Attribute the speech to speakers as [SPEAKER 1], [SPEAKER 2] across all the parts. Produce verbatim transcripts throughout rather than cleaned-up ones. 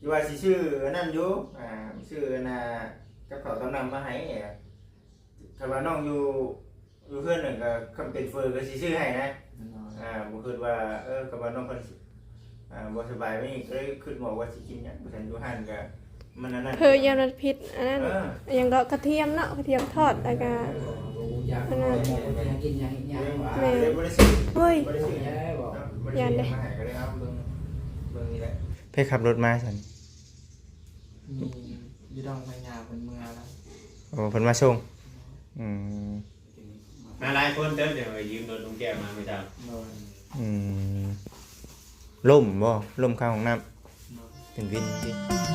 [SPEAKER 1] อยู่ว่าสิชื่อนั่นอยู่อ่าชื่อน่ะกับเขาต้องนำมาให้ถ้าว่าน้องอยู่อยู่เพื่อนหนึ่งก็คำเป็นเฟอร์ก็สิชื่อให้นะอ่าบ่คิดว่าเออกับว่าน้องเพิ่นอ่าบ่สบายไม่ก็เลยคิดบอกว่าสิกินหยังบ่ทันอยู่หั่นก็มันนั่น
[SPEAKER 2] เพอยามันพิษอันนั้นยังก็กระเทียมเนาะกระเทียมทอดแล้วก็อันนั้น
[SPEAKER 3] กินยังยังว่า
[SPEAKER 1] แม่บ่ได้ซื้อ
[SPEAKER 2] เฮ้ย
[SPEAKER 1] บ่ได้ซื้อหยังบ่ได้ซื้อมาให้ก็เลยเอาเบิ่งเบิ่งนี่แหละไปขับรถมาซั่น
[SPEAKER 3] มีอยู่ดองพญาเป็นเมืองแล้ว
[SPEAKER 1] โอ้เพิ่นมาส่งอืม
[SPEAKER 4] มาหลายคนเด้อเดี๋ยวยืมรถลุงแก้วมาไม่ได้
[SPEAKER 3] นอน
[SPEAKER 1] อืมล่มบ่ล่มข้างห้องน้ำเป็นวินสิ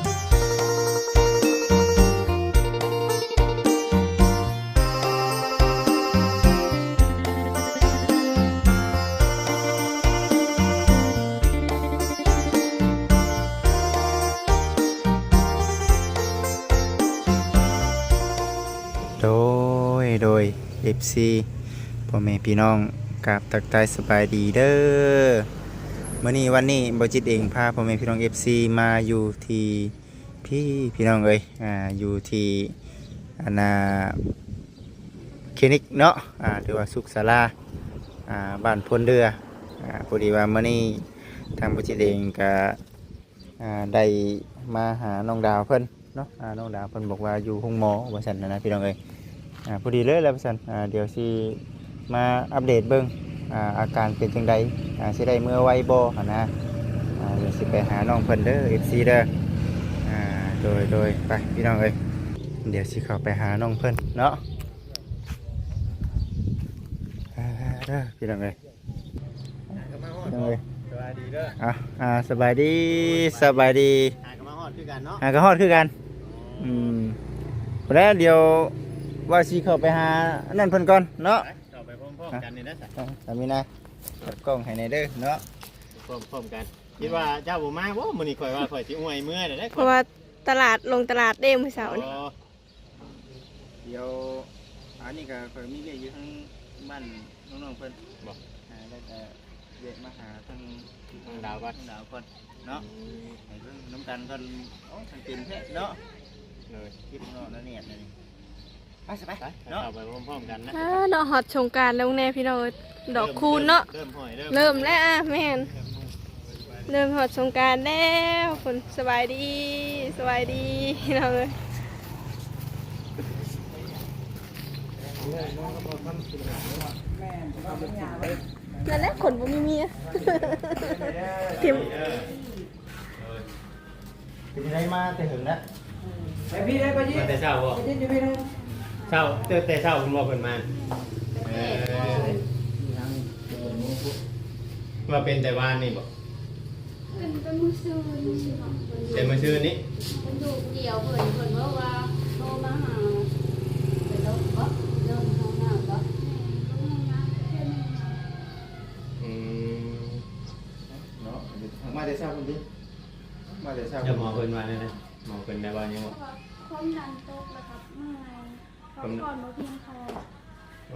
[SPEAKER 1] โดยโดย เอฟ ซี พ่อแม่พี่น้องกราบทักทายสบายดีเด้อมื้อนี้วันนี้บ่จิตเองพาพ่อแม่พี่น้อง เอฟ ซี มาอยู่ที่พี่พี่น้องเอ้ยอ่าอยู่ที่อันน่ะคลินิกเนาะอ่าหรือว่าสุขศาลาอ่าบ้านพลเรืออ่าพอดีว่ามื้อนี้ทางบ่จิตเองก็อ่าได้มาหาน้องดาวเพิ่นเนาะอ่าน้องดาวเพิ่นบอกว่าอยู่ห้องหมอว่าซั่นนะนะพี่น้องเอ้ยอ่าพอดีเลยแล้วว่าซั่นอ่าเดี๋ยวสิมาอัปเดตเบิ่งอ่าอาการเป็นจังไดอ่าสิได้เมื่อไวบ่หั่นนะอ่าเดี๋ยวสิไปหาน้องเพิ่นเด้อ เอฟ ซี เด้ออ่าโดยโดยไปพี่น้องเอ้ยเดี๋ยวสิเข้าไปหาน้องเพิ่นเนาะอ่าเด้อพี่น้องเอ้ยพี่น้องเอ้ย
[SPEAKER 4] สบายดีเด้อ
[SPEAKER 1] อ่ะอ่าสบายดีสบายดี
[SPEAKER 4] หากันมาฮอดคือกันเนาะ
[SPEAKER 1] หากระฮอดคือกันอืมแล้วเดี๋ยวว่าสิเข้าไปหานั่นเพิ่นก่อนเนาะ
[SPEAKER 4] ต่อไปพร้อมๆกันนี่นะสั
[SPEAKER 1] อ่ะสามีนะจับกล้องให้ในเด้อเนาะ
[SPEAKER 4] พร้อมๆกันคิดว่าเจ้าบ่มาบ่มื้อนี้ข่อยว่าข่อยสิอวยเมื่อได้
[SPEAKER 2] เพราะว่าตลาดลงตลาดเด้มื้อเสาร์นี่
[SPEAKER 1] เดี๋ยวอันนี้ก็เคยมีเรียกอยู่ทั้งบ้านน้องๆเพิ่น
[SPEAKER 4] บ่
[SPEAKER 1] อ่าแล้วก็เรียกมาหาทั้ง
[SPEAKER 4] ทางดาวก่อน
[SPEAKER 1] ทั้งดาวก่อนเนาะให้เพิ่นน้ำกันเพิ่นโอ้ทางกินแท้เนาะ
[SPEAKER 4] เลย
[SPEAKER 1] คิดเนาะแล้วเนี่ยนี่ไปสิไป
[SPEAKER 4] ไป
[SPEAKER 1] เนาะ
[SPEAKER 4] ต่อไปพร้อมๆกันนะ
[SPEAKER 2] อ่าเนาะฮอดสงกรานต์แล้วแน่พี่น้องเอ้ยดอกคูณเนาะ
[SPEAKER 4] เริ่มห้อยเริ่ม
[SPEAKER 2] เริ่มแล้วอ่ะแม่นเริ่มฮอดสงกรานต์แล้วคนสบายดีสบายดีพี่น้องเอ้ยนั่นแหละคนบ่มีเมียทิม
[SPEAKER 4] เออ
[SPEAKER 1] เป็นยังไงมาแต่ถึงแล้ว
[SPEAKER 3] ไปพี่ได้ไปยี่
[SPEAKER 4] มาแต่เช้าบ่
[SPEAKER 3] ไปยี่จะพี่ได้
[SPEAKER 4] เช้าเจอแต่เช้าคุณบอกเพิ่นมาเออว่าเป็นแต่วานนี่บ่
[SPEAKER 5] เป็นเป็นมือซื้อมือซื้อของคน
[SPEAKER 4] แต่มื้อชื่อนี้
[SPEAKER 5] เป็นดูเดียวเพิ่นเพิ่นว่าว่าโทรมาหาเป็นแล้วก็เริ่มห้องน้ำก็ห้องน้ำเพิ่น
[SPEAKER 4] อืม
[SPEAKER 1] เนาะมาแต่เช้าคนดิมาแต่เช้า
[SPEAKER 4] เดี๋ยวหมอเพิ่นว่านั่นนะหมอเพิ่นได้ว่ายังบ่
[SPEAKER 5] ความดันตกแล้วครับเมื่อยพักผ่อนบ่เพียงพอ
[SPEAKER 4] โอ้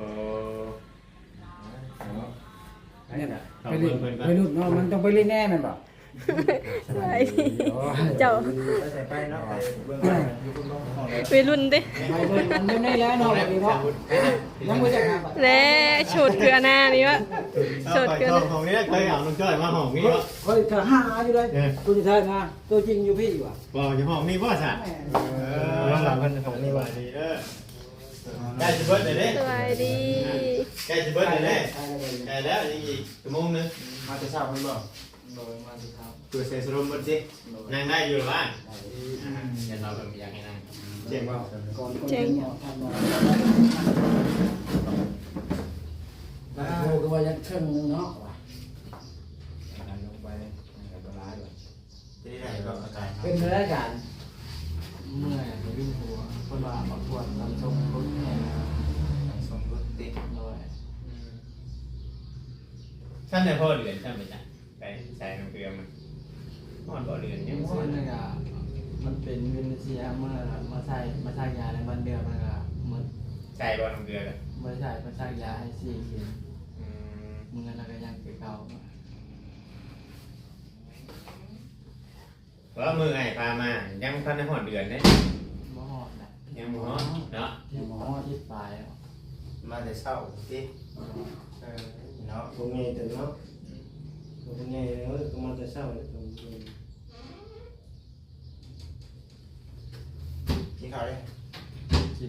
[SPEAKER 3] เนี่ยไปรุ่นไปรุ่นเนาะมันต้องไปเล่นแน่มันบอก
[SPEAKER 2] สบายดีเจ้า
[SPEAKER 1] ไปใส่ไปเนาะไปเบื้องหลังอยู่บนห้องห้องเลย
[SPEAKER 2] วัยรุ่นเด้
[SPEAKER 3] ไปเบิ่งมันอยู่ในแล้วเนาะแบบนี้เนาะยังไม่จักหาบัตร
[SPEAKER 2] และชุดคืออันหน้านี่วะ
[SPEAKER 4] สดเกินของนี้เคยเอาลุงจ้อยมาห้องนี้บ่
[SPEAKER 3] เฮ้ยเธอหาอยู่เลยตัวที่เธอนะตัวจริงอยู่พี่ว่ะ
[SPEAKER 4] บ่อยู่ห้องนี้บ่ซะ
[SPEAKER 1] เออหลังเพิ่นของนี่ว่า
[SPEAKER 4] ดีเด้อใกล้สิเบิดเลยเด้
[SPEAKER 2] สบายดี
[SPEAKER 4] ใกล้สิเบิดเลยเด้ใกล้แล้วยังอีกชั่วโมงนึง
[SPEAKER 1] มาแต่เช้าเพิ่นบ่
[SPEAKER 3] โดยมาสิครับ
[SPEAKER 1] ตัวเซสรมเบิดสิ
[SPEAKER 4] นั่งได้อยู่หรือว่าเดี๋ยวเราแบบอยากให้นั่ง
[SPEAKER 1] เจ๋งบ่
[SPEAKER 3] ก่อนคนเนาะทำเนาะแล้วโหก็ว่ายังเชิงนึงเนาะว่ะลงไปกับตัวร้ายว่ะ
[SPEAKER 1] จะได้ได้ก็อาการ
[SPEAKER 3] เป็นเรื่องการเมื่อยวิ่งหัวคนว่าบางคนทำชมรถแข่ง
[SPEAKER 1] สมรสติด
[SPEAKER 3] โดย
[SPEAKER 4] ท่านในพ่อเดือนใช่ไหมจ๊ะไปใส่น้ำเกลือมันพ่อบ่เดือนยัง
[SPEAKER 3] เพราะมันก็มันเป็นวินเซียเมื่อมาใส่มาใส่ยาในวันเดือนมันก็มัน
[SPEAKER 4] ใส่บ่น้ำเกลือเลย
[SPEAKER 3] ไม่ใช่มาใส่ยาให้สี่เข็มมึงนั่นก็ยังเก่า
[SPEAKER 4] ว่ามือไอ้พามายังพันในหอดเดือนเนี่ย
[SPEAKER 6] บ่ฮอดนะ
[SPEAKER 4] ยังบ่ฮอดเนาะ
[SPEAKER 6] ที่บ่ฮอดที่ปลายแล้ว
[SPEAKER 1] มาแต่เช้าสิเออเนาะ
[SPEAKER 7] ตรงไงแต่เนาะตรงไงเนาะก็มันจะเศร้าเลยตรงนี้
[SPEAKER 1] กินข้าวเลย
[SPEAKER 6] กิน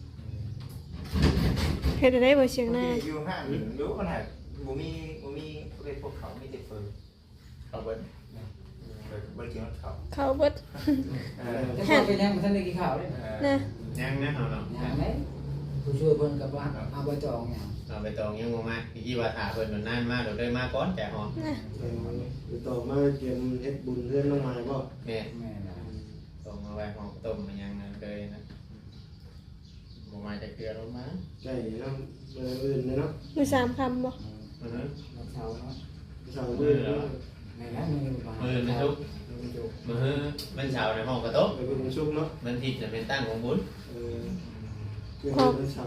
[SPEAKER 2] เฮ็ดได้บ่เสียงหน้า
[SPEAKER 1] อยู่ห้างอยู่คนหาบ่มีบ่มีเรียกพวกเขามีแต่เฟอร์เขาเบิ้ลเบิ้ลกินเขา
[SPEAKER 2] เข้าเบิด
[SPEAKER 1] เออ
[SPEAKER 3] จะพูดไปยังมันท่านได้กินข้าวเลย
[SPEAKER 2] นะ
[SPEAKER 4] ยังนะเอาเนาะ
[SPEAKER 3] อย่างไรผู้ช่วยเพิ่นกับว่าเอาไปจองอย่าง
[SPEAKER 4] เอาไปตองยังบ่มาพี่กี่ว่าถาเพิ่นมันนานมาเดี๋ยวได้มาก่อนแต่ฮอด
[SPEAKER 2] นะ
[SPEAKER 7] คือต่อมาเตรียมเฮ็ดบุญเพื่อนน้องไม้บ่
[SPEAKER 4] แม่
[SPEAKER 3] แม่นะ
[SPEAKER 4] ส่งมาไว้ห้องต้มมันยังนั้นเลยนะบ่มาจะเกลือลงมา
[SPEAKER 7] ไก่น้ำเบอร์อื่นเนาะ
[SPEAKER 2] มีสามคำบ่
[SPEAKER 4] อือฮึ
[SPEAKER 3] เราเช้าเนาะ
[SPEAKER 7] สาวอื่นเนาะ
[SPEAKER 3] แม่นะมือมา
[SPEAKER 4] มือมันทุก
[SPEAKER 3] มือจุก
[SPEAKER 4] มือมันเช้าในห้องกระโต๊ะ
[SPEAKER 7] ไปบุญชุกเนาะ
[SPEAKER 4] มันทิศจะเป็นตั้งของบุญ
[SPEAKER 7] เออเกี่ยวกับสาว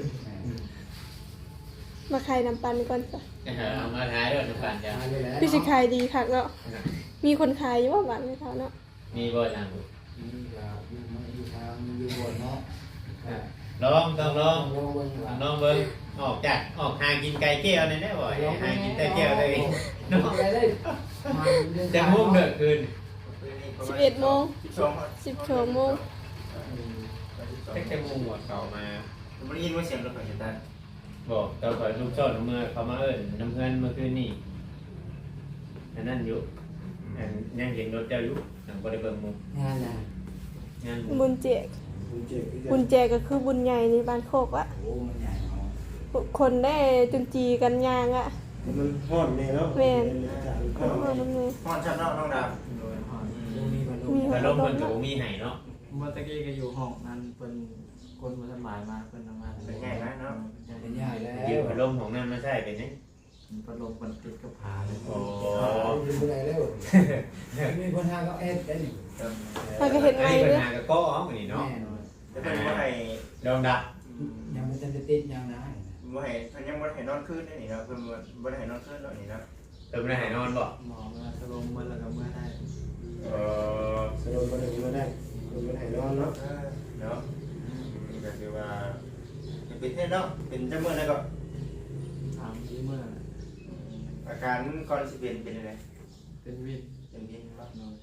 [SPEAKER 2] มาขายน้ำปันก่อนจ้ะ
[SPEAKER 4] เอามาท้ายด้วยน้ำปั่นจ้ะ
[SPEAKER 3] มาเลยแล้ว
[SPEAKER 2] พี่สิขายดีคักเนาะมีคนขายอยู่บ่บ้านไม่เท่าเนาะ
[SPEAKER 4] มีบ่ทางบุญ
[SPEAKER 3] นี่ก็อยู่มาอยู่ทางอยู่บนเนาะ
[SPEAKER 4] ลองต้องลอง
[SPEAKER 3] ลองเบิ่งว่า
[SPEAKER 4] ลองเบิ่งออกจากออกหากินไก่แก้วนี่ได้บ่หากินแต่แก้วเลยเนาะ
[SPEAKER 3] ไปเลยมาเรื่อง
[SPEAKER 4] จะมุ่งเด้อคืน
[SPEAKER 2] สิบเอ็ดโมง
[SPEAKER 1] สิบสอง
[SPEAKER 2] สิบสองโมง
[SPEAKER 4] เช็คจะมุ่งหมดเก่ามา
[SPEAKER 1] บ่ได้ยินว่าเสียงรถไฟตัน
[SPEAKER 4] บอกตอนก่อนลูกชอบน้ำเมื่อเขามาเอิ้นน้ำเพื่อนเมื่อคืนนี่อันนั้นอยู่อันยังเห็นรถเจ้าอยู่หนังบ่ได้เบิ่งมุม
[SPEAKER 3] งานน่ะ
[SPEAKER 4] งาน
[SPEAKER 2] บุญแจก
[SPEAKER 7] บุญเจ็บอีก
[SPEAKER 2] บุญแจกก็คือบุญใหญ่ในบ้านโคกอะ
[SPEAKER 3] โอ้มันใหญ่เนาะ
[SPEAKER 2] คนได้จนจีกันยางอะ
[SPEAKER 7] มันฮอดแน่เนาะ
[SPEAKER 2] แม่น
[SPEAKER 7] จาก
[SPEAKER 2] ขอโทษน้ำเลย
[SPEAKER 1] ฮ้อนชับเนาะน้องดาว
[SPEAKER 6] โดยฮอด
[SPEAKER 3] มีมัน
[SPEAKER 2] มี
[SPEAKER 4] แต่ลมเพิ่นก็บ่มีให้เนาะ
[SPEAKER 6] เมื่อตะกี้ก็อยู่ห้องนั้นเพิ่นคนบ่สบายมาเพิ่นทำงาน
[SPEAKER 1] เป็นไงนะเนาะ
[SPEAKER 3] เป็นใหญ่แล้ว
[SPEAKER 4] ยืมพัดลมของนั่นมาใช้เป็นนี่
[SPEAKER 6] พัดลมเพิ่นติดกับผาเลย
[SPEAKER 4] โอ้
[SPEAKER 3] อยู่บ่ได้แล้วมีคนหาก็เอ็ดได้นี่
[SPEAKER 2] ถ้าก็เห็นไง
[SPEAKER 4] อันนี้ปัญ
[SPEAKER 2] เด้อ
[SPEAKER 4] หากับก้ออ๋อมื้อนี้
[SPEAKER 3] แม่
[SPEAKER 4] เนาะ
[SPEAKER 3] เนาะ
[SPEAKER 1] แต่เพิ่นบ่ให้
[SPEAKER 4] ดองดับ
[SPEAKER 3] ยังไม่ทันจะติดยังนะ
[SPEAKER 1] บ่ให้เพิ่นยังบ่ได้ให้นอนคืนได้นี่เนาะเพิ่นบ่บ่ได้ให้นอนคืนเนาะนี่เนาะ
[SPEAKER 4] เติมได้ให้นอนบ่
[SPEAKER 6] หมอมาสลมมันแล้วก็เมื่อได้
[SPEAKER 4] เออ
[SPEAKER 7] สรุปมาถึงมาได้คนมาถ่ายนอนเนาะ
[SPEAKER 1] เออเนาะนี่ก็คือว่าเป็นเทศเนาะเป็นจังมื้อแล้วก็
[SPEAKER 6] ถามที่เมื่อน่ะ
[SPEAKER 1] อาการก่อนสิเป็นเป็นจังได๋
[SPEAKER 6] เป็นวิน
[SPEAKER 1] เป็นเย็นบ่
[SPEAKER 6] โดย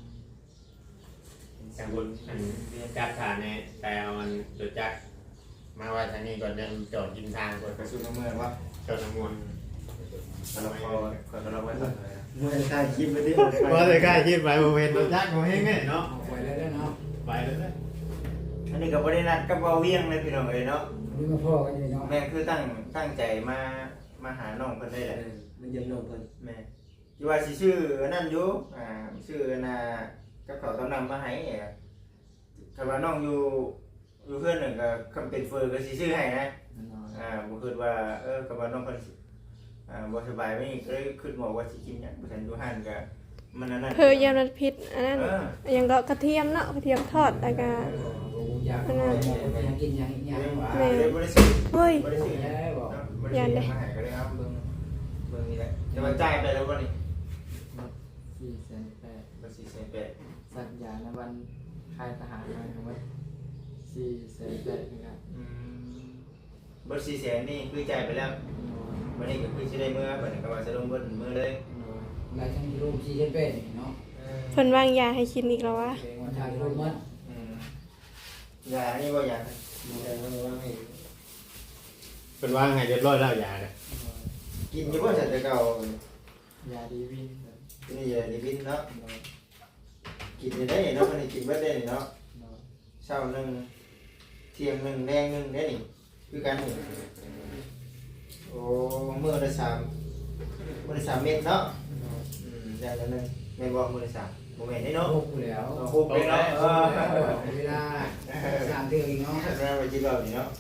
[SPEAKER 4] จังบุญอันจักฐานเนี่ยแต่เอามันจุดจักมาไว้ทางนี้ก่อนจะจอดกินทางก่อน
[SPEAKER 1] กระสุนมือว่า
[SPEAKER 4] จอดน้ำมนต์
[SPEAKER 1] เราพอคนเราไว้ก่อนเลย
[SPEAKER 7] เมื่อถ่ายคลิปไปที่
[SPEAKER 4] ว่าจะใกล้คิดไปโมเมนต์รถจักรโมเฮงไงเนาะ
[SPEAKER 3] เอาไปแล้วเนาะ
[SPEAKER 4] ไปเลย
[SPEAKER 1] อันนี้ก็บ่ได้นัดกับเบาเวียงเลยพี่น้องเอ้ยเนาะ
[SPEAKER 3] นี่มาพ่อกันอยู่เนาะ
[SPEAKER 1] แม่คือตั้งตั้งใจมามาหาน้องเพิ่นได้แหละ
[SPEAKER 7] มันยังนอนเพิ่น
[SPEAKER 1] แม่ที่ว่าสิชื่อนั่นอยู่อ่าชื่อน่ะกับเขาตำนำมาให้ถ้าว่าน้องอยู่อยู่เพื่อนหนึ่งก็คำเป็นเฟอร์ก็สิชื่อให้นะ
[SPEAKER 6] นอน
[SPEAKER 1] อ่าบ่คิดว่าเออกับว่าน้องเพิ่นอ่าบ่สบายไม่ก็เลยคิดบอกว่าสิกินหยังบ่ทันอยู่หั่นก็มันนั่นนั่น
[SPEAKER 2] เพอยานัดพิษอันนั้น
[SPEAKER 1] เออ
[SPEAKER 2] อย่างดอกกระเทียมเนาะกระเทียมทอดแล้วก็
[SPEAKER 3] อยากยังกินยังยังหวาน
[SPEAKER 1] เลยบ่ได้ซื้อ
[SPEAKER 2] เฮ้ย
[SPEAKER 1] บ่ได้ซื้อหยัง
[SPEAKER 3] แล้วบอก
[SPEAKER 1] เนาะบ่ได้ซื้อหยังมาให้ก็เลยเอาเบิ่งเบิ่งนี่แหละแต่ว่าจ่ายไปแล้วบ่นี่
[SPEAKER 6] สี่แสนแปด
[SPEAKER 1] บ่สิแสนแปด
[SPEAKER 6] สัญญาณวันค่ายทหารมาครับว่าสี่แสนแปดนะครับ
[SPEAKER 1] อืมบ่สี่แสนนี่คือจ่ายไปแล้ววันนี้ก็คือสิได้มื้อบัดนี้ก็ว่าจะลงเบิ่นมื้อเลย
[SPEAKER 3] รายทั้งรูปที่เช่นเป็นเนาะ
[SPEAKER 1] เออ
[SPEAKER 2] เพิ่นวางยาให้กินอีกแล้ววะ
[SPEAKER 3] วันชายรูปมัน
[SPEAKER 1] อืมยานี่บ่ยา
[SPEAKER 7] มีแต่ว่าว่าให้
[SPEAKER 4] เป็นว่างไงเรียบร้อยแล้วยาเนี่ย
[SPEAKER 1] กินอยู่บ่จัดแต่เก่าย
[SPEAKER 6] าดีวิน
[SPEAKER 1] นี่ยาดีวินเนาะกินได้เนาะมันกินเบิดได้เนาะเช้าหนึงเที่ยงหนึงแดงหนึงได้นี่คือกันนี่โอ้มื้อละสามมื้อละสามเม็ดเนาะอืมอย่างละหนึงแม่นบ่มื้อละสามบ่แม่นได้เนาะ
[SPEAKER 3] รูปแล้ว
[SPEAKER 1] เอาคุกไปเนาะเออ
[SPEAKER 3] เวลาสามเดือนเนาะ
[SPEAKER 1] เราไปกินเหล้านี่เนาะ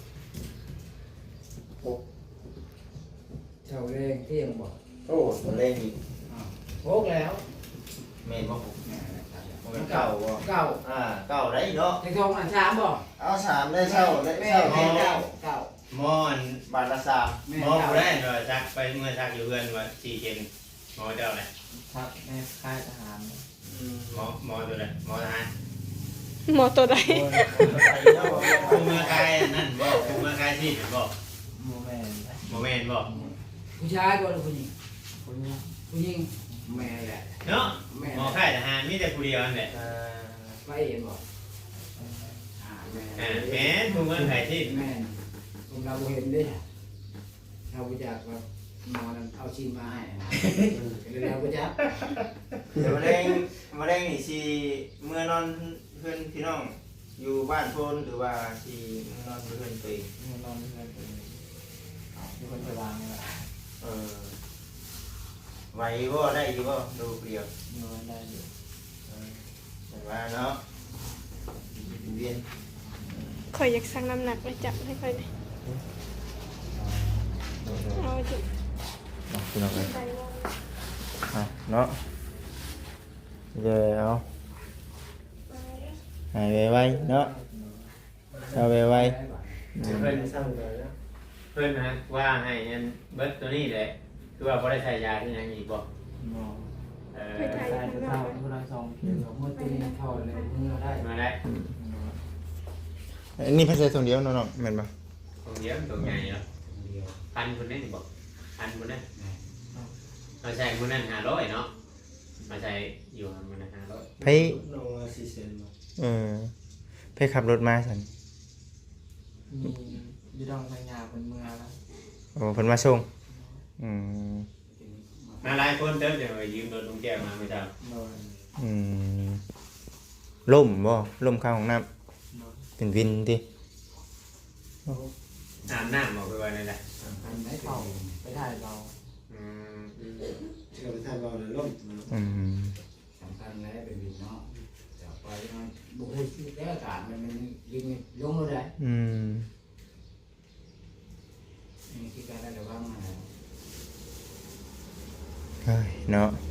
[SPEAKER 3] เช้าแรงเที่ยงบอก
[SPEAKER 1] โอ้ตัวแรงอีก
[SPEAKER 3] โคกแล้ว
[SPEAKER 1] แม่นบ่คุกมันเก่าบ่
[SPEAKER 3] เก่า
[SPEAKER 1] อ่าเก่าได้เนาะ
[SPEAKER 3] ในทองอันสามบอก
[SPEAKER 1] เอาสามได้เช่าได้
[SPEAKER 3] แม่
[SPEAKER 1] เช่า
[SPEAKER 3] แม่
[SPEAKER 1] แม่
[SPEAKER 3] เก่าเก่า
[SPEAKER 4] หมอน
[SPEAKER 1] บาทละสาม
[SPEAKER 4] หมอผู้ได้เนาะซักไปเมื่อซักอยู่เพื่อนว่าสี่เจนหมอเจ้าเนี่ย
[SPEAKER 6] ทักในค่ายทหาร
[SPEAKER 1] อื
[SPEAKER 4] หมอหมอตัวไหนหมอทหาร
[SPEAKER 2] หมอตัวใด
[SPEAKER 4] คุมเมื่อไกลนั่นบอกคุมเมื่อไกลที่บอก
[SPEAKER 6] โมแมน
[SPEAKER 4] โมเมนบอก
[SPEAKER 3] ผู้ชายบ่หรือผู้หญิง
[SPEAKER 6] คนนี้
[SPEAKER 3] ผู้หญิงแม่แหละ
[SPEAKER 4] เนาะหมอค่ายทหารมีแต่ผู้เดียวนั่นแหละ
[SPEAKER 3] ไปเองบ่อ่าแม่
[SPEAKER 4] อ่าแม่คุมเมื่อไกลที่
[SPEAKER 3] แม่ผมเราเห็นเด้เราไปจากแบบหมอนั้นเอาชิ้นมาให้นะเราไปจาก
[SPEAKER 1] เดี๋ยวมะเร็งมะเร็งนี่สิเมื่อนอนเพื่อนพี่น้องอยู่บ้านโพนหรือว่าสิเมื่อนอนเพื่อนตัวเอง
[SPEAKER 6] มีนอนเพื่อนคนนี้มีคนไปวางนี่แหละ
[SPEAKER 1] เออไหวบ่ได้อยู่บ่ดูเปรียว
[SPEAKER 6] นอนได้อยู่
[SPEAKER 1] เออแต่ว่าเนาะเวียน
[SPEAKER 2] ข่อยอยากสั่งน้ำหนักไปจับให้ข่อยหน่อยเอาจุด
[SPEAKER 1] พี่น้องเอ้ย
[SPEAKER 2] ไปว่า
[SPEAKER 1] อ่ะเนาะเดี๋ยวเอาหายไวๆเนาะเอาไวๆ
[SPEAKER 4] เพื่อน
[SPEAKER 7] สร้างเลยนะ
[SPEAKER 4] เพื่อนนะว่าให้ยันเบิร์ตตัวนี้แหละคือว่าพอได้ใช้ยาที่ยังอีกบอก
[SPEAKER 6] มอง
[SPEAKER 4] เออ
[SPEAKER 2] ไปถ่าย
[SPEAKER 6] ใช่
[SPEAKER 2] ข้างน
[SPEAKER 6] เท่า
[SPEAKER 2] อก
[SPEAKER 6] ผู้รักสอง
[SPEAKER 3] เดี๋ยวเมื่อตีเข้าเลยเมื่อได้
[SPEAKER 4] มาได้
[SPEAKER 1] อันนี้พัสดุถุงเดียวน้องๆแม่นบ่
[SPEAKER 4] ตรงเยอะตรงใหญ่เนาะพันคนนั้นบอกพันคนนั้นมาใช้คนนั้นห้าร้อยเนาะมาใช้อยู่มันนั้นห้าร้อย
[SPEAKER 1] ไผ
[SPEAKER 7] น้องว่าสี่เซนบ่
[SPEAKER 1] เออไผขับรถมาซั่น
[SPEAKER 6] มียีดองทางยาเป็นเมืองแล้ว
[SPEAKER 1] โอ้เพิ่นมาส่งอืม
[SPEAKER 4] มาหลายคนเติมเดี๋ยวยืมรถลุงแก้วมาไม่ได้
[SPEAKER 6] นอน
[SPEAKER 1] อืมล่มบ่ล่มข้างห้องน้ำ
[SPEAKER 6] นอน
[SPEAKER 1] เป็นวินติ
[SPEAKER 4] อาบน้ำบอกไปว่านั่นแหละ
[SPEAKER 3] อันไหน
[SPEAKER 6] เข้า
[SPEAKER 3] เข้า
[SPEAKER 6] ไปถ่ายเรา
[SPEAKER 4] อืม
[SPEAKER 7] เชื่อไปทางเราเลยล่ม
[SPEAKER 1] อืม
[SPEAKER 3] สำคัญแล้วเป็นวินเนาะจะไปมันบุกให้แต่อากาศมันมันยิงลงเลย
[SPEAKER 1] อืม
[SPEAKER 3] นี่คือการระวังนะ
[SPEAKER 1] เฮ้ยเนาะ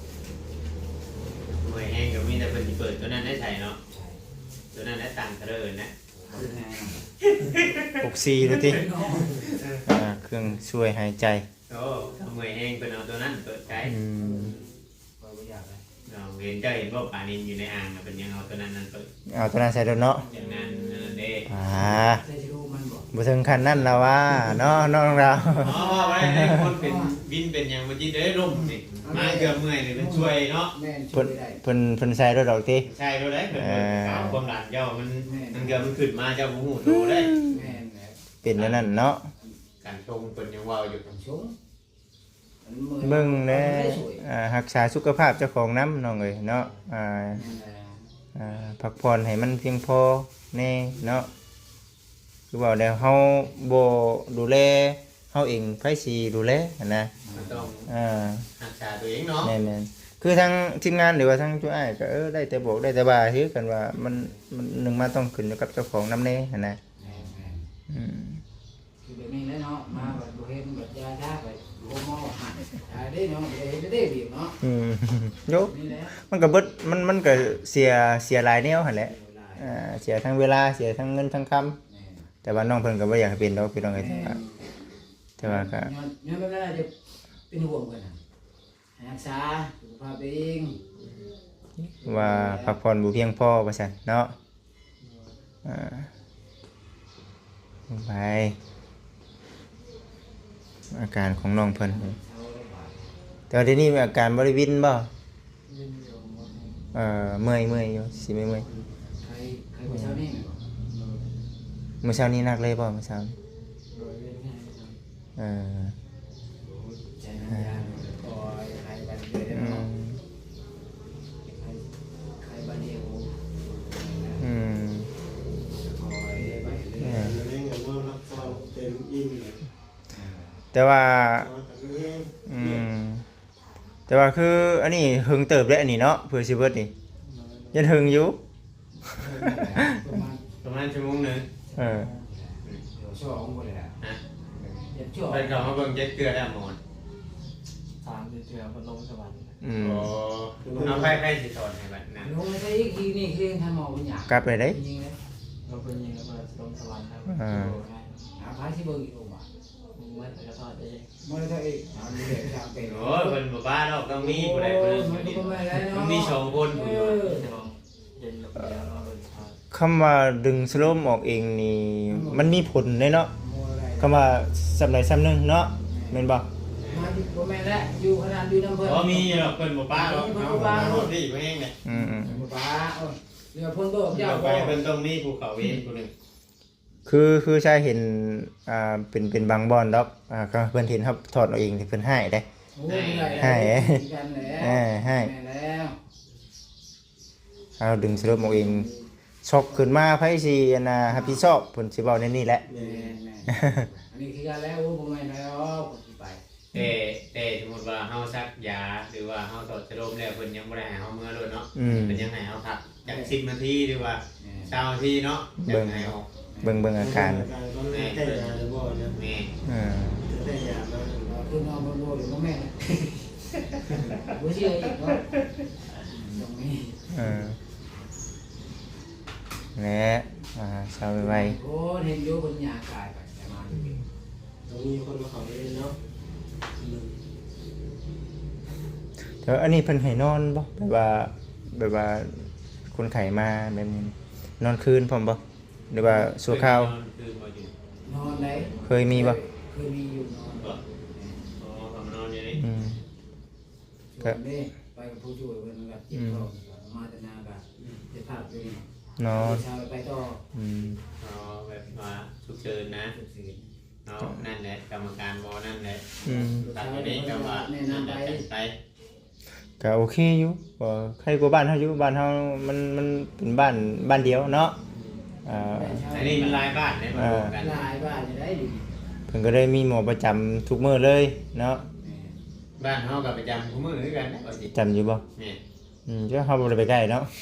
[SPEAKER 4] หน่วยแห้งก็มีแต่เป็นที่เปิดตัวนั้นได้ใส่เนาะ
[SPEAKER 3] ใช่
[SPEAKER 4] ตัวนั้นได้ตังค์เท่าเดิมนะ
[SPEAKER 3] คือไง
[SPEAKER 1] หกสี่ดูติอ่าเครื่องช่วยหายใจ
[SPEAKER 4] โอ้หน่วยแห้งเป็นเอาตัวนั้นเปิดใช้
[SPEAKER 1] อืม
[SPEAKER 3] ก็ไม่อยากเลย
[SPEAKER 4] เราเห็นเจ้าเห็นว่าปลานินอยู่ในอ่างน่ะเป็นยังเอาตัวนั้นนั่นเปิด
[SPEAKER 1] เอาตัวนั้นใส่รถเนาะ
[SPEAKER 4] อย่างนั้นนั่นเด้
[SPEAKER 1] อ่า
[SPEAKER 3] ใช่รู้มันบอก
[SPEAKER 1] บ่ถึงขั้นนั้นแล้วว่าเนาะน้องเรา
[SPEAKER 4] อ๋อไว้ให้คนเป็นวินเป็นอย่างเมื่อกี้เด้ร่มสิมาเกือบเมื่อยเลยเป็นช่วยเนาะ
[SPEAKER 3] แม่ช่
[SPEAKER 1] เพิ่
[SPEAKER 3] วน ยได้
[SPEAKER 1] เพิ่นเพิ่นใส่รถดอกติ
[SPEAKER 4] ใช่เราได้เกิดความดันเจ้ามันมันเกือบมันขึ้นมาเจ้าหูหูโตได้
[SPEAKER 3] แม่แม่
[SPEAKER 1] เป็นอันนั้นเนาะ
[SPEAKER 4] การชงเป็นยังว่าวอยู่
[SPEAKER 3] ชง
[SPEAKER 1] เบิ่งแลอ่ารักษาสุขภาพเจ้าของน้ำน้องเอ้ยเนาะอ่าอ่าพักผ่อนให้มันเพียงพอแน่เนาะคือว่าแล้วเฮาบ่ดูแลเฮาเองไผสิดูแลหั้นนะ
[SPEAKER 4] มันต้อง
[SPEAKER 1] อ่า
[SPEAKER 4] รักษาตัวเองเนาะ
[SPEAKER 1] แม่นๆคือทางทีมงานหรือว่าทางตัวอ้ายก็เออได้แต่บอกได้แต่ว่าคือกันว่ามันมันหนึ่งมาต้องขึ้นอยู่กับเจ้าของนำแน่หั่นนะอืม
[SPEAKER 3] คือแบบนี้เนาะมาแบบบุเห็นแบบยาชาไปโลมอหาได้เนาะได้ได้เบียเนาะ
[SPEAKER 1] อืมโย
[SPEAKER 3] นี่แหละ
[SPEAKER 1] มันก็เบิดมันมันก็เสียเสียหลายแนวหั่นแหละอ่าเสียทั้งเวลาเสียทั้งเงินทั้งคำแต่ว่าน้องเพิ่นก็บ่อยากให้เป็นดอกพี่น้องเอ้ยแต่ว่าแต่ว่าก็
[SPEAKER 3] ย้อนย้อนแบบนั้นจะเป็นห่วงกันนะรักษาสุขภาพเอง
[SPEAKER 1] ว่าพักผ่อนบ่เพียงพอว่าซั่นเนาะอ่าไปอาการของน้องเพิ่น
[SPEAKER 3] เช้าแล้วบ่าย
[SPEAKER 1] แต่ว่าเดี๋ยวนี้มีอาการบ่ได้วินบ่
[SPEAKER 6] ยินอยู่หมดเลย
[SPEAKER 1] เอ่อเมื่อยเมื่อยอยู่สิไม่เมื่อย
[SPEAKER 3] ใครใครไปเช้านี่ไหมบอก
[SPEAKER 1] เมื่อเช้านี้นักเลยบ่เมื่อเช้านี้
[SPEAKER 6] โดยเวียนง่ายครับ
[SPEAKER 1] เออ
[SPEAKER 3] ใช้น้ำยาคอยใครบันเดียวได้
[SPEAKER 1] อื
[SPEAKER 3] เนาะ
[SPEAKER 1] ม
[SPEAKER 3] ใครใครบันเดียว
[SPEAKER 1] อืม
[SPEAKER 3] คอยไปเรื่
[SPEAKER 1] เอ
[SPEAKER 3] อย
[SPEAKER 1] อ
[SPEAKER 7] เรื่องเงินว่ารับฟังเต็มอิ่มเลย
[SPEAKER 1] แต่ว่า
[SPEAKER 7] แต่เรื่อง
[SPEAKER 1] อืมแต่ว่าคืออันนี้หึงเติบได้อันนี้เนาะเพื่อสิเบิดนี่ยันหึงอยู่
[SPEAKER 3] ประมาณ
[SPEAKER 4] ประมาณชั่วโมงหนึ่ง
[SPEAKER 1] เออ
[SPEAKER 3] เดี๋ยวช่วงคนเลยแหละ
[SPEAKER 4] นะ
[SPEAKER 3] เดี๋ยวช่วง
[SPEAKER 4] เป็นเขามาเบิ่งเจ็ดเกลือได้หมด
[SPEAKER 6] สามเดือนเดือนพัดลมสวรรค์
[SPEAKER 1] อืม
[SPEAKER 4] โอ้เอาไพ่ไพ่สิสอนให้บัดนะ
[SPEAKER 3] ลงไม่ใช่อีกทีนี่คือทำหมอเป็นอย่าง
[SPEAKER 1] กลับไปได้
[SPEAKER 3] จริงเลย
[SPEAKER 6] เราเป็นยิงแล้วก็ลมสวรรค์ครับ
[SPEAKER 1] อ่า
[SPEAKER 3] หาพายที่เบอร์อีกลงมา
[SPEAKER 6] มึงเมื่อไหร่ก็ทอดเอง
[SPEAKER 3] อมวยเท่าอีกเอาเด็กจางเป็น
[SPEAKER 4] โอ้ยเพิ่นบ่บ้าดอกต้องมีผู้ใดผู้หนึง
[SPEAKER 3] มันก็ไม่ได้
[SPEAKER 4] ต้อ
[SPEAKER 3] เนาะ
[SPEAKER 4] งมีสองคน
[SPEAKER 3] เอ
[SPEAKER 4] ผู้อยู่
[SPEAKER 3] อ
[SPEAKER 6] เย็นแบบแล้วเราเป็นชา
[SPEAKER 1] คำว่าดึงสโลมออกเองนี่มันมีผลเด้เนาะ
[SPEAKER 3] มวยอะไร
[SPEAKER 1] คำว่าสำใดสำหนึงเนาะแม่นบ่
[SPEAKER 3] มาที่พ่อแม่แล้วอยู่ขนาดอยู่น้ำเพิ่น
[SPEAKER 4] บ่มีหรอกเพิ่นบ่บ้าดอกเอาเอาที่บ่แห้งเนี่ย
[SPEAKER 1] อืม
[SPEAKER 3] ป้าเออเรือพ่นโตก
[SPEAKER 4] เดี๋
[SPEAKER 3] เจ้า
[SPEAKER 4] ยวไปเพิ่นต้องมีภูเขาเวนผู้หนึง
[SPEAKER 1] ๆคือคือชายเห็นอ่าเป็นเป็นบางบอนดอกอ่าก็เพิ่นเห็นครับถอดเอาเองที่เพิ่นให้ได้
[SPEAKER 3] โอ้ยได้
[SPEAKER 1] ให้
[SPEAKER 3] กันแล้ว
[SPEAKER 1] เออให้
[SPEAKER 3] แม่แล้ว
[SPEAKER 1] เอาดึงสโลมออกเองช็อกขึ้นมาไผสิอันน่ะรับผิดชอบเพิ่นสิเว้าในนี้แหละ
[SPEAKER 3] แม่แม่อันนี้คือกันแล้วโอ้พ่อแม่แล้วก็ไป
[SPEAKER 4] แต่แต่สมมุติว่าเฮาซักยาหรือว่าเฮาถอดสโลมแล้วเพิ่นยังบ่ได้ให้เฮาเมื่อโดนเนาะ
[SPEAKER 1] อืม
[SPEAKER 4] เพิ่นยังให้เฮาพักจักสิบนาทีหรือว่า
[SPEAKER 3] แม่
[SPEAKER 4] เช้านาทีเนาะจังให้ออก
[SPEAKER 1] เบิ่งเบิ่งอาการ
[SPEAKER 7] ก็ไม่ได้ยาหรือบ่เนี่ย
[SPEAKER 4] แม่
[SPEAKER 1] เออ
[SPEAKER 7] ได้ยาแล้ว
[SPEAKER 3] เราคือนอนบนโบอยู่พ่อแม่บ่เชื่ออีกเนาะตรงนี้
[SPEAKER 1] เออและอ่าสาวไว
[SPEAKER 3] โอ้เห็นอยู่บนหญ้ากายไปแต่มาอยู่นี่
[SPEAKER 7] ตรงนี้คนมาเขาเล่นเนาะ
[SPEAKER 1] ๆแต่ว่าอันนี้เพิ่นให้นอนบ่แบบว่าแบบว่าคนไข้มาแบบนี้นอนคืนพร้อมบ่หรือว่าชั่วคราว
[SPEAKER 4] คือบ่อยู่
[SPEAKER 3] นอนไหน
[SPEAKER 1] เคยมีบ่
[SPEAKER 3] เคยมีอยู่นอน
[SPEAKER 4] บ่อ๋อเขามานอนอยู่นี่
[SPEAKER 1] อืม
[SPEAKER 3] ช่วงนี้ไปกับผู้ช่วยเพิ่นก็เจ็บท้องมาแต่นาก็เจ็บภาพอยู่นี่
[SPEAKER 1] นอน
[SPEAKER 3] เช้าไปต่อ
[SPEAKER 1] อืม
[SPEAKER 4] อ๋อแบบว่าฉุกเฉินนะ
[SPEAKER 3] สุดสิ
[SPEAKER 4] เนาะนั่นแหละกรรมการบ่นั่นแหละ
[SPEAKER 1] อืม
[SPEAKER 4] ตัดอยู่นี่ก็ว่านั่นแหละจัดไป
[SPEAKER 1] ก็โอเคอยู่บ่ใครกว่าบ้านเฮาอยู่บ้านเฮามันมันเป็นบ้านบ้านเดียวเนาะอ่า
[SPEAKER 4] อันนี้มันหลายบ้านเนี่ยมาดูกัน
[SPEAKER 3] หลายบ้านจะได้ดี
[SPEAKER 1] เพิ่นก็ได้มีหมอประจำทุกมื้อเลยเนาะ
[SPEAKER 4] บ้านเฮาก็ประจำคู่มือคือกันนะบ่สิ
[SPEAKER 1] จำอยู่บ่
[SPEAKER 4] แม่น
[SPEAKER 1] อืมเจ้าเฮาบ่ได้ไปใกล้เนาะ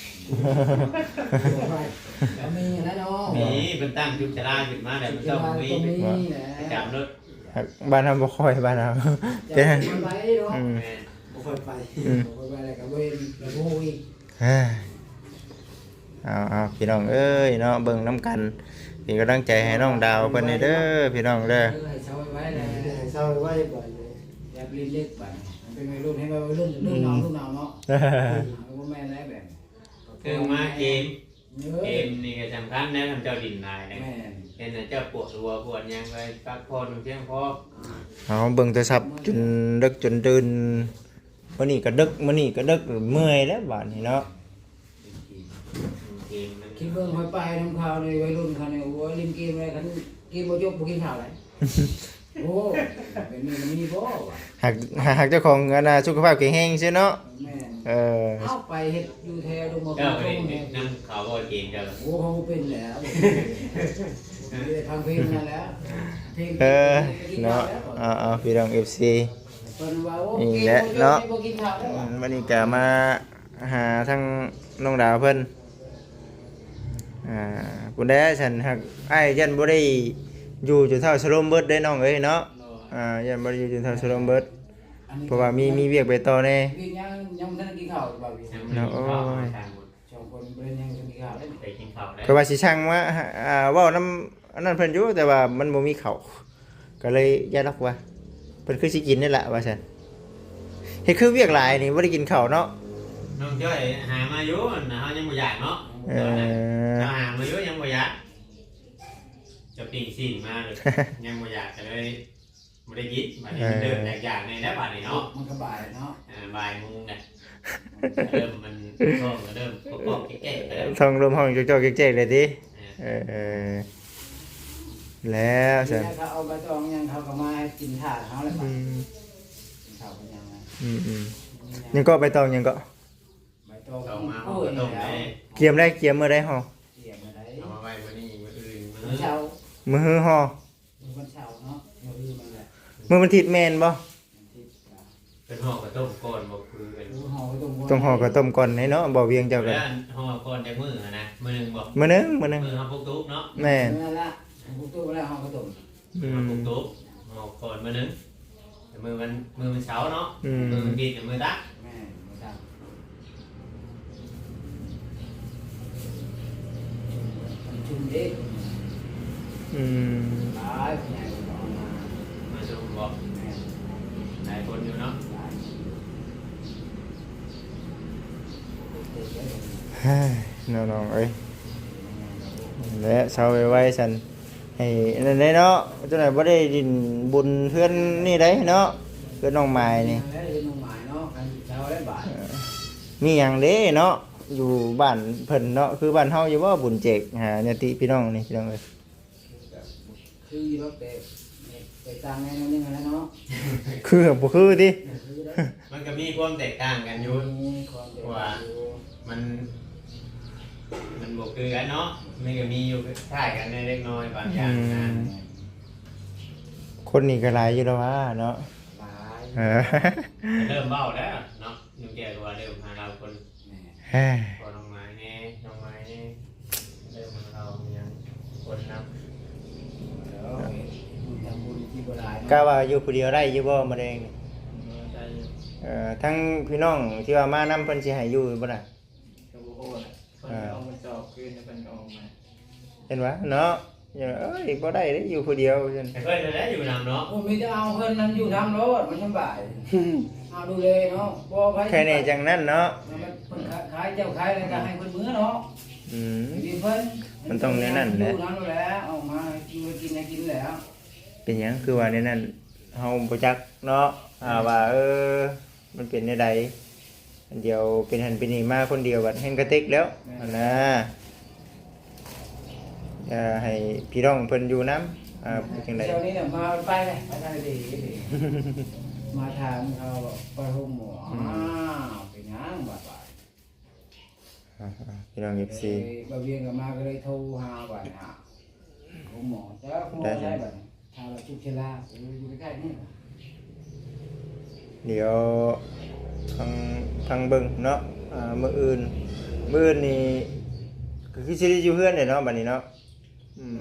[SPEAKER 3] ก็มีแล้วเนาะ
[SPEAKER 4] มีเพิ่นตั้งจุดชราขึ้นมาแล้วมันต้องมี
[SPEAKER 3] ตรงนี้แหละ
[SPEAKER 4] ประจำรถ
[SPEAKER 1] บ้านเฮาบ่ค่อยบ้านเฮา
[SPEAKER 3] จะ
[SPEAKER 1] เป็น
[SPEAKER 3] ไปเนาะ
[SPEAKER 1] อืม
[SPEAKER 4] แม่น
[SPEAKER 3] บ่ค่อยไป
[SPEAKER 1] อืม
[SPEAKER 3] บ่ค่อยไปอะไรกับเว้นแล้วผู้อีก
[SPEAKER 1] เอ้ยเอาเอาพี่น้องเอ้ยเนาะเบิ่งน้ำกันเป็นกำลังใจให้น้องดาวเพิ่นเด้อพี่น้องเด้อ
[SPEAKER 3] เออให้เช้าไว้เลย
[SPEAKER 7] ให้เศร้าไว้ก่อนเลย
[SPEAKER 3] อย่าไปเล็กไปมันเป็นวัยรุ่นให้วัยรุ่นรุ่นน้องรุ่นน้องเนาะเอาบ่แม่นแล้วแบบ
[SPEAKER 4] คือมาเกม
[SPEAKER 3] เอ
[SPEAKER 4] เก
[SPEAKER 3] อ
[SPEAKER 4] มนี่ก็สำคัญนะทำเจ้าดินนายนะ
[SPEAKER 3] แม่น
[SPEAKER 4] เห็นน่ะเจ้าปวดหัวปวดหยังไปพักผ่อนเพียงพอ
[SPEAKER 1] เอาเบิ่งโทรศัพท์จนดึกจนตื่นมื้อนี้ก็ดึกมื้อนี้ก็ดึกเมื่อยแล้วบัดนี้เนาะ
[SPEAKER 4] เกมมัน
[SPEAKER 3] คิดเบิ่งค่อยไปน้ำข่าวในวัยรุ่นเขาเนี่ยโอ้ยเล่นเกมอะไรกันเกมบ่จบบ่กินข้าวเลยโอ้เป็นนี่มันมีบ่วะ
[SPEAKER 1] หากหากเจ้าของอันน่ะสุขภาพแข็งแรงซื่อเนาะ
[SPEAKER 3] แม่น
[SPEAKER 1] เออ
[SPEAKER 3] เอาไปเฮ็ดอยู่แถวดงมะพ
[SPEAKER 4] เจ้า
[SPEAKER 3] ร้าว
[SPEAKER 4] ไป
[SPEAKER 3] ตรงนี้
[SPEAKER 4] นั่งข่าวบ่เกมเจ้า
[SPEAKER 3] โอ้เขาบ่เป็นแล้วมีแต่ทางเพลงนั่นแหละเพลง
[SPEAKER 1] เออเนาะเอาเอาพี่น้อง เอฟ ซี
[SPEAKER 3] เพิ่นว่าโอ้
[SPEAKER 1] นี่
[SPEAKER 3] เกม
[SPEAKER 1] แหละ
[SPEAKER 3] บ่จบ
[SPEAKER 1] เนาะ
[SPEAKER 3] บ่กินข้าวแล้ว
[SPEAKER 1] อื
[SPEAKER 3] ว่ะ
[SPEAKER 1] มวันนี้ก็มาหาทั้งน้องดาวเพิ่นอ่าคุณแด้ฉันหักไอ้ายยันบ่ได้อยู่จนเท่าสโลมเบิดได้น้องเอ้ยเนาะอ่ายันบ่ได้อยู่จนเท่าสโลมเบิด
[SPEAKER 3] อันนี้
[SPEAKER 1] เพราะว่ามีมีเวียกไปต่อแน่
[SPEAKER 3] เวียกยังยังบ่ทันได้กินข้าวบ่าวพี่
[SPEAKER 4] ยังไม่ได้กินข้าวมาทางหมด
[SPEAKER 3] สองคนบ่ได้ยังกินข้าวเลย
[SPEAKER 4] ไปกินข้าวแล้ว
[SPEAKER 1] ก็ว่าสิช่างว่าอ่าเว้านำอันนั้นเพิ่นอยู่แต่ว่ามันบ่มีข้าวก็เลยย้ายล็อกว่าเพิ่นคือสิกินนี่แหละว่าซั่นเฮ็ดคือเวียกหลายนี่บ่ได้กินข้าวเนาะ
[SPEAKER 4] น้องจ้อยหามาอยู่นะเฮายังบ่อยากเนาะ
[SPEAKER 1] เอ
[SPEAKER 4] ตอนนั้น
[SPEAKER 1] อ
[SPEAKER 4] เจ้าหามาอยู่ยังบ่อยากจะปิ้งสิ่งมาเลยยังบ่อยากก็เลยบ่ได้ยินบัดนี้มันเดินอยากๆในแล้วบัดนี้เนาะ
[SPEAKER 3] มันก็บ่ายเนาะ
[SPEAKER 4] อ่าบ่ายโมงเนี่ยเริ่มมันท้องก็เริ่มปอกๆแก่ๆไปแล้ว
[SPEAKER 1] ท้องลมห้องจอกๆแจ๊กๆเลยติเออแล้ว
[SPEAKER 3] นี่
[SPEAKER 1] ซั่น
[SPEAKER 3] เขาเอาใบตองยังเขาก็มาให้กินถ่านเขาแล้ว
[SPEAKER 1] อื
[SPEAKER 3] ป่ะ
[SPEAKER 1] ม
[SPEAKER 3] กินข้าวกันยังไง
[SPEAKER 1] อืมอืมยังก็ไปตองยังก็
[SPEAKER 3] ใบตอง
[SPEAKER 4] ต้มมา
[SPEAKER 3] โอ้
[SPEAKER 4] เฮาย ก็ต้ม
[SPEAKER 3] แล้ว
[SPEAKER 4] ได้
[SPEAKER 1] เกียมได้เกียมเมื่อได้ห่อ
[SPEAKER 3] เสียมาได้
[SPEAKER 4] เอามาไว้มื้อนี้มื้ออื่นมื้
[SPEAKER 3] วัน
[SPEAKER 4] อ
[SPEAKER 3] เช้า
[SPEAKER 1] มือหือห่อ
[SPEAKER 3] วันเช้าเนาะเดี๋ยวลืมมันแหละ
[SPEAKER 1] มือมันทิดแมนบ่
[SPEAKER 3] ที่
[SPEAKER 4] เป็นห่อก็ต้มก่อนบ่คือเป็น
[SPEAKER 3] ดูห่อไว้ตรง
[SPEAKER 1] ต้องห่อกับต้มก่อนให้เนาะบ่เวียงเจ้ากัน
[SPEAKER 4] แล้วห่อก่อนจากมื้ออะนะมื้อหนึงบ่
[SPEAKER 1] มื้อนึงมื้อนึง
[SPEAKER 4] มื้อเฮาปลูกตุ๊กเนาะ
[SPEAKER 1] แม่น
[SPEAKER 3] นั่นละผมตู้แล้วห่อกระตุ่ม
[SPEAKER 1] อื
[SPEAKER 4] เฮาม ปลูกตุ๊กห่อก่อนมื้อหนึงแต่มื้อมันมื้อมันเช้าเนาะ
[SPEAKER 1] อืม
[SPEAKER 4] มื้อมันกินกับมื้อตัก
[SPEAKER 3] แม่ไม่ทำชุ่มเด็ก
[SPEAKER 1] อืม
[SPEAKER 3] ตายใหญ่กว่ามา
[SPEAKER 4] มาชมบ่
[SPEAKER 3] แม่
[SPEAKER 1] น้องๆเอ้ยและเช้าไว้ๆซั่นให้นั่นได้เนาะจังได๋บ่ได้ดินบุญเพื่อนนี่ได้เนาะเพื่อนน้องไม้นี่
[SPEAKER 3] แล้วจะนุ่งหมายเนาะกันเช้าได้บ่าย
[SPEAKER 1] มีหยังเด้เนาะอยู่บ้านเพิ่นเนาะคือบ้านเฮาอยู่บ่บุญเจกหาญาติพี่น้องนี่พี่น้องเอ้ย
[SPEAKER 3] คือรถเตะไปตั้งแน่นอนนึงแล้วเนาะ
[SPEAKER 1] คือบ่คือติ
[SPEAKER 3] คือได้
[SPEAKER 4] มันก็มีความแตกต่างกันอยู่
[SPEAKER 3] มีความเด็กอยู่
[SPEAKER 4] มันมันบวกคือกันเนาะมันก็มีอยู่ท่ายกันในเล็กน้อยบางอย่างนะ
[SPEAKER 1] คนนี่ก็หลายอยู่แล้วว่าเนาะ
[SPEAKER 3] หลาย
[SPEAKER 1] เออ
[SPEAKER 4] เริ่มเบ้าแล้วเนาะนุ่งแก่ตัวเริ่มหาเราคน
[SPEAKER 3] แหม่
[SPEAKER 1] เฮ้ย
[SPEAKER 4] พอน้องไม้แน่น้องไม้แน่เริ่มมาเรายังคนนับ
[SPEAKER 3] เดี๋ยวบุญทำบุญที่บ่ได้
[SPEAKER 1] กะว่าอยู่ผู้เดียวได้อยู่บ่มะเร็งนี่
[SPEAKER 6] ใจอยู่
[SPEAKER 1] เอ่อทั้งพี่น้องที่ว่ามานํเพิ่นสิให้อยู่บ่ล่ะ
[SPEAKER 6] กับโอ้โหคนเอามาจอบคืนเป็นกองมา
[SPEAKER 1] เห็นว่าเนาะอย่าเอ้ยบ่ได้เด้อยู่ผู้เดียวซั่น
[SPEAKER 4] แต่เพื่อนจะได้อยู่นำเนาะ
[SPEAKER 3] โอ้มีแต่เอาเพิ่นนั้นอยู่ทำรถมันสบายเอาดูเลยเนาะบ่ไผ
[SPEAKER 1] แค่นี้จังนั้นเนาะ
[SPEAKER 3] มันเพิ่นขายเจ้าขายอะไรก็ให้เพิ่นมื้อเนาะ
[SPEAKER 1] อืม
[SPEAKER 3] กินเพิ่น
[SPEAKER 1] มันต้องแน่นั่นแหละ
[SPEAKER 3] อยู่นั้นแหละเอามากินกินให้กินแล้ว
[SPEAKER 1] เป็นหยังคือว่าในนั้นเฮาบ่จักเนาะอ่าว่าเออมันเป็นแนวใดอันเดียวเป็นหันเป็นนี่มาคนเดียวบัดแห่งกระติกแล้วอันน่ะอย่าให้พี่น้องเพิ่นอยู่นํอ่าเป็นจังได
[SPEAKER 3] เดี๋ยวนี้เนี่ยมาไปเลยไปทางดีดีมาทางเขาไปห้องหมออ้าวเป็นหยังบาดบาด
[SPEAKER 1] อ่าๆพี่น้อง เอฟ ซี
[SPEAKER 3] บาเวียงก็มาก็เลยโทรหาบาดหาห้องหมอแต่ว่าหมอใช่บัดทางเราชุกเชลาอยู่ใกล้ๆนี่
[SPEAKER 1] เดี๋ยวทางทางเบิ่งเนาะอ่ามื้ออื่นมื้ออื่นนี่ก็คือสิได้อยู่เฮือนเด้เนาะบัดนี้เนาะอืม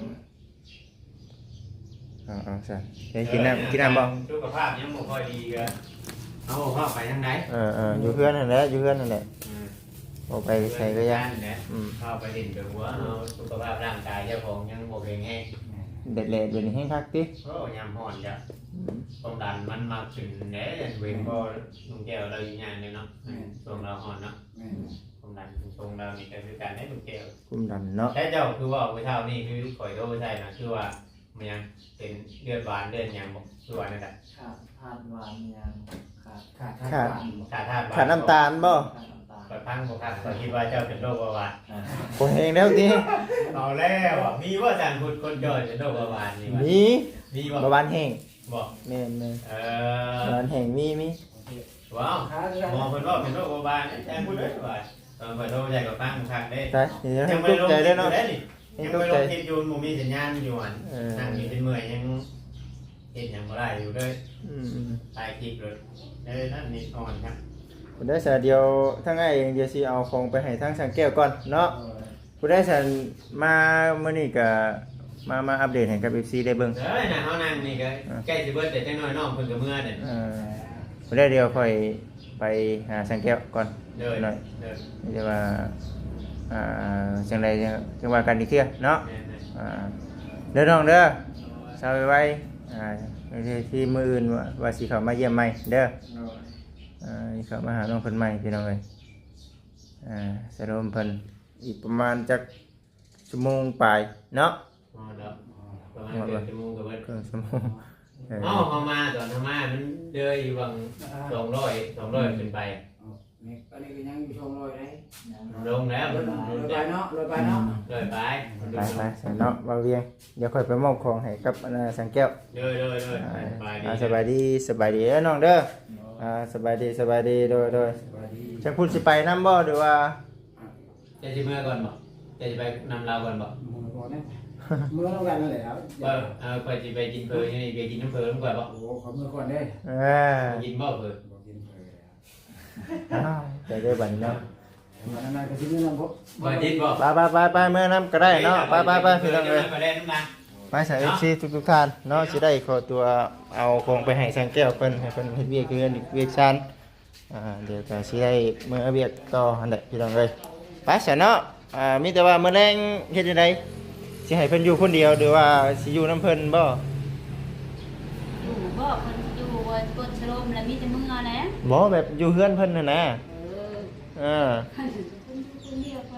[SPEAKER 1] เอาๆซั่นเฮ้ยกินน้ำกินน้ำบ่
[SPEAKER 4] สุขภาพยังบ่ค่อยดีก็เอาเข้าไปทางไหน
[SPEAKER 1] เออเอออยู่เพื่อนนั่นแหละอยู่เพื่อนนั่นแหละออกไปใส่ก็ยัง
[SPEAKER 4] เนี่ย
[SPEAKER 1] อืม
[SPEAKER 4] เข้าไปดิ่นไปหัวเอาสุขภาพร่างกายเจ้าของยังบ่แข็งแรง
[SPEAKER 1] เด็ดเล็ดเป็นให้คักติ
[SPEAKER 4] โอ้ยามฮ้อนจ้ะความดันมันมากขึ้นแหน่เว้นบ่ลุงแก้วเราอยู่งานเนี่ยเนาะช่วงเราฮ้อนเนาะ
[SPEAKER 3] แม่น
[SPEAKER 4] ความดันช่วงเรานี่ก็คือการได้ลุงแก้ว
[SPEAKER 1] คุมดันเนาะ
[SPEAKER 4] ใช่เจ้าคือว่าเช้านี่คือข่อยโทรใช่นะคือว่ามันยังเป็นเลือดหวานเลือดหยังบ่คือว่านั่นแหละ
[SPEAKER 6] ขาดทานหวานยังขาด
[SPEAKER 3] ขาดขาด
[SPEAKER 4] ขาดธาตุหวาน
[SPEAKER 1] ขาดน้ำตาลบ่
[SPEAKER 6] ขาดน้ำตาล
[SPEAKER 4] ข่อยพังบ่ครับข่อยคิดว่าเจ้าเป็นโรคเบาหวาน
[SPEAKER 6] อ่า
[SPEAKER 1] คนเองแล้วติ
[SPEAKER 4] เอาแล้วอะมีว่าอาจารย์พูดคนย่อยเป็นโรคเบาหวานนี่วะ
[SPEAKER 1] มี
[SPEAKER 4] มีบ่
[SPEAKER 1] เบาหวานแห้ง
[SPEAKER 4] บอก
[SPEAKER 1] แม่นแม่น
[SPEAKER 4] เอ
[SPEAKER 1] เบา
[SPEAKER 4] อ
[SPEAKER 1] หวานแห้งมีมี
[SPEAKER 4] ว้าว
[SPEAKER 3] ขาด
[SPEAKER 4] หมอเพิ่นว่าเป็นโรคเบาหวานอาจารย์พูดเลยว่าตอนข่อยโทรใจกับฟังคักเด้
[SPEAKER 1] ตายเดี๋ยวให้
[SPEAKER 4] ยัง
[SPEAKER 1] ต
[SPEAKER 4] ไม่
[SPEAKER 1] ก
[SPEAKER 4] ลง
[SPEAKER 1] ใจ
[SPEAKER 4] คิด
[SPEAKER 1] ได้
[SPEAKER 4] อยู่
[SPEAKER 1] เนาะ
[SPEAKER 4] ได้นี่
[SPEAKER 1] ให้
[SPEAKER 4] ยัง
[SPEAKER 1] ตก
[SPEAKER 4] ไม่ล
[SPEAKER 1] ใจ
[SPEAKER 4] งคิดอยู่บ่มีสัญญาณอยู่อัน
[SPEAKER 1] เออ
[SPEAKER 4] นั่งอยู่เป็นเมื่อยยังเฮ็ดหยังบ่ได้อยู่เลย
[SPEAKER 1] อืม
[SPEAKER 4] ถ่ายคลิปเลยเอ้ยนั่นนี่อ่อนครับ
[SPEAKER 1] ๆผู้ได้สาเดียวทั้งไอ้เดี๋ยวสิเอาของไปให้ทางสังแก้วก่อนเนาะผู้ได้สันมามื้อนี้ก็มามาอัปเดตให้กับ เอฟ ซี ได้เบิ่ง
[SPEAKER 4] เอ้ยน่ะเฮานั่งนี่ก็ใกล้สิเบิดแต่จังน้อยน้องเพิ่นก็เมื่อเด้
[SPEAKER 1] เออผู้ได้เดียวค่อยไปหาสังแก้วก่อน
[SPEAKER 4] เด้อ
[SPEAKER 1] หน่อย
[SPEAKER 4] เด้อ
[SPEAKER 1] จะว่าอ่าจังใดจังจังว่ากันอีกเที่ยเนาะ
[SPEAKER 4] แม่น
[SPEAKER 1] อ่าเด้อน้องเด้อสาวไว้อ่าที่ที่มืออื่นว่าว่าสิเข้ามาเยี่ยมใหม่เด้ออ่าสิเข้ามาหาน้องเพิ่นใหม่พี่น้องเอ้ยอ่าสรุปเพิ่นอีกประมาณจักชั่วโมงปลายเนาะ
[SPEAKER 4] ๆอ๋อเด้อประมาณเกือบชั่วโมงก็เบิด
[SPEAKER 1] ครึ่งชั่วโมงเออ
[SPEAKER 4] เอ้าเฮามาตอนเฮามามันเด้ออยู่บางสองร้อย สองร้อยขึ้นไป
[SPEAKER 3] นี่อันนี้ก็ยังอยู่ชมรอยได้
[SPEAKER 4] ลงแล้ว
[SPEAKER 3] ร
[SPEAKER 4] มัน
[SPEAKER 3] ถ
[SPEAKER 4] ลง
[SPEAKER 3] ไป
[SPEAKER 4] แล้ว
[SPEAKER 3] เนาะรถไปเนาะ
[SPEAKER 4] เลยไป
[SPEAKER 1] ไปไปใส่เนาะบ่าวเวียงเดี๋ยวค่อยไปมอบของให้กับอันน่ะสังแก้ว
[SPEAKER 4] เด้อเด้อเด้อ
[SPEAKER 1] อ่า
[SPEAKER 4] ไปดี
[SPEAKER 1] อ่าสบายดีสบายดีเด้อน้องเด้ออ่าสบายดีสบายดีโดยโดย
[SPEAKER 3] สวัสดี
[SPEAKER 1] จังพูดสิไปนำบ่หรือว่า
[SPEAKER 4] จะสิเมื่อก่อนบ่จะสิไปนำเราก่อนบ่
[SPEAKER 3] มือก่อนนะมือต้องการนั่นแหละครับ
[SPEAKER 4] เออเอาไปสิไปกินเพลินนี่ไปกินน้ำเพลินก่อนบ่
[SPEAKER 3] โอ้ขอมือก่อนได้
[SPEAKER 1] เออ
[SPEAKER 4] กินบ่เพลิน
[SPEAKER 3] บอกกินเพล
[SPEAKER 1] อ้าวใจได้บัดนี้เนาะ
[SPEAKER 3] มันนานๆก็ชิ้นนี้นะพบ
[SPEAKER 4] บ่กินบ่
[SPEAKER 1] ไปไปไปไปเมื่อน้ำก็ได้เนาะไปไปไปพี่น้องเอ้ย
[SPEAKER 4] ไปเล่นน้ำนะ
[SPEAKER 1] ไปใส่เอฟซีทุกทุกๆท่านเนาะสิได้ขอตัวเอาของไปให้สังแก้วเพิ่นให้เพิ่นเฮ็ดเวียกคือกันอีกเวียกชันอ่าเดี๋ยวก็สิได้มื้อเวียกต่อหั่นแหละพี่น้องเอ้ยไปซะเนาะอ่ามีแต่ว่ามื้อแลงเฮ็ดจังไดสิให้เพิ่นอยู่คนเดียวหรือว่าสิอยู่นำเพิ่นบ่
[SPEAKER 5] อยู่บ่คนอยู่บนกดชโลมแล้วมีแต่มึงเอาแหละ
[SPEAKER 1] บ่แบบอยู่เฮือนเพิ่นน่ะนะ
[SPEAKER 5] เออ
[SPEAKER 1] เออ
[SPEAKER 5] คนอยู่คนเดียวคนละเล่น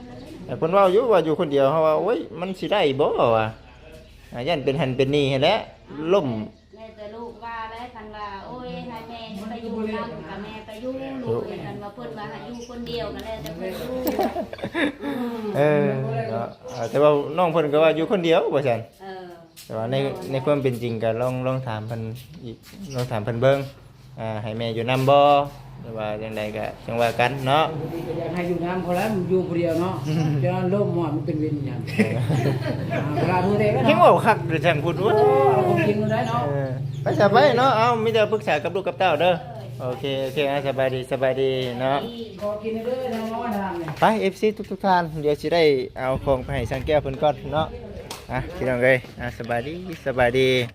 [SPEAKER 1] แต่เพิ่นเว้าอยู่ว่าอยู่คนเดียวเฮาว่าโอ้ยมันสิได้บ่วะอ่ายันเป็นหันเป็นนี่ให้แหละล่ม
[SPEAKER 5] แม่แต่ลูกว่าแล้วคันว่าโอ้ยให้แม่ไปอยู่นำกับแม่ไปอยู่ลูกกันว่าเพิ่นว่าให้อยู่คนเดียวกันแล้วแต่เพิ่นอยู่
[SPEAKER 1] เออเนาะเออแต่ว่าน้องเพิ่นก็ว่าอยู่คนเดียวว่าซั่น
[SPEAKER 5] เออ
[SPEAKER 1] แต่ว่าในในความเป็นจริงก็ลองลองถามเพิ่นอีกลองถามเพิ่นเบิ่งอ่าให้แม่อยู่นำบ่หรือว่าจังไดก็จังว่ากันเนาะ
[SPEAKER 3] บางทีก็อยากให้อยู่น้ำเขาแล้วมันอยู่คนเดียวเนาะจะล่มหมดมันเป็นเวรอย่างเวลาดูเด็กก็
[SPEAKER 1] เฮ็ด
[SPEAKER 3] เนาะ
[SPEAKER 1] เว้าคักเด้อจังพูดว่า
[SPEAKER 3] เอาของจริงมาได้เนาะ
[SPEAKER 1] เออไปสบายเนาะเอามีแต่ปรึกษากับลูกกับเต้าเด้อโอเคโอเคอ่ะสบายดีสบายดีเนาะ
[SPEAKER 3] ขอกินเด้อทางน้อยทางเนี่ย
[SPEAKER 1] ไป เอฟ ซี ทุกทุกๆท่านเดี๋ยวสิได้เอาของไปให้ช่างแก้วเพิ่นก่อนเนาะอ่ะพี่น้องเอ้ยอ่ะสบายดีสบายดี